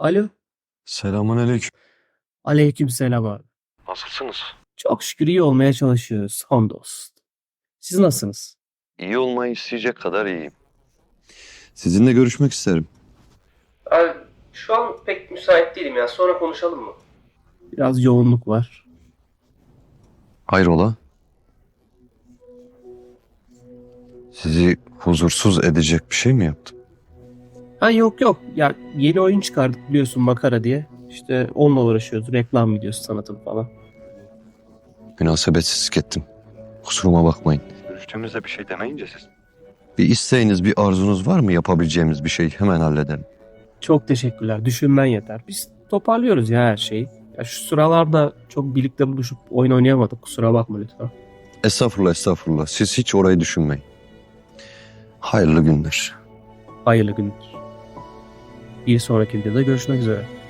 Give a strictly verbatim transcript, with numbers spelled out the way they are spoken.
Alo. Selamünaleyküm. Aleykümselam abi. Nasılsınız? Çok şükür iyi olmaya çalışıyoruz. Hamdolsun. Siz nasılsınız? İyi olmayı isteyecek kadar iyiyim. Sizinle görüşmek isterim. Abi şu an pek müsait değilim ya. Sonra konuşalım mı? Biraz yoğunluk var. Hayrola? Sizi huzursuz edecek bir şey mi yaptım? Ha yok yok. Ya yeni oyun çıkardık biliyorsun Makara diye. İşte onunla uğraşıyoruz. Reklam videosu sanatım falan. Münasebetsizlik ettim. Kusuruma bakmayın. Görüştüğümüzde bir şey demeyince siz. Bir isteğiniz, bir arzunuz var mı yapabileceğimiz bir şey? Hemen halledelim. Çok teşekkürler. Düşünmen yeter. Biz toparlıyoruz ya her şeyi. Ya şu sıralarda çok birlikte buluşup oyun oynayamadık. Kusura bakma lütfen. Estağfurullah, estağfurullah. Siz hiç orayı düşünmeyin. Hayırlı günler. Hayırlı günler. Bir sonraki videoda görüşmek üzere.